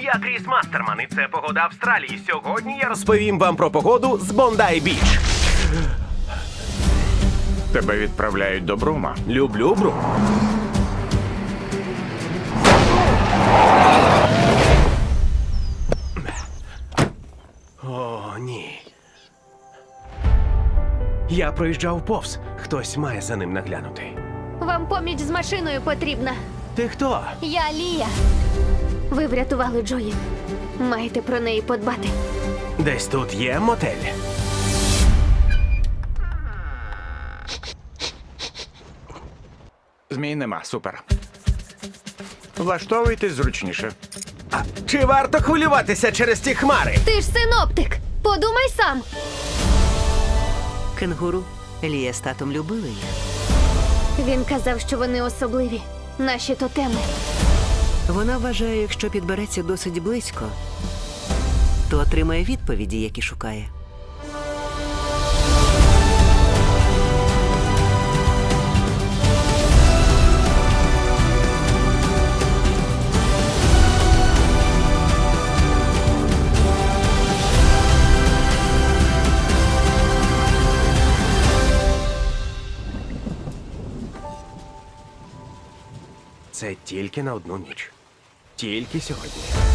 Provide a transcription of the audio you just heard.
Я Кріс Мастерман, і це погода Австралії. Сьогодні я розповім вам про погоду з Бондай-Біч. Тебе відправляють до Брума. Люблю Брум. О, ні. Я проїжджав повз. Хтось має за ним наглянути. Вам поміч з машиною потрібна. Ти хто? Я Лія. Ви врятували Джої. Маєте про неї подбати. Десь тут є мотель. Змій нема, супер. Влаштовуйтесь зручніше. А чи варто хвилюватися через ті хмари? Ти ж синоптик. Подумай сам. Кенгуру. Лія з татом любили їх. Він казав, що вони особливі. Наші тотеми. Вона вважає, якщо підбереться досить близько, то отримає відповіді, які шукає. Це тільки на одну ніч. Тільки сьогодні.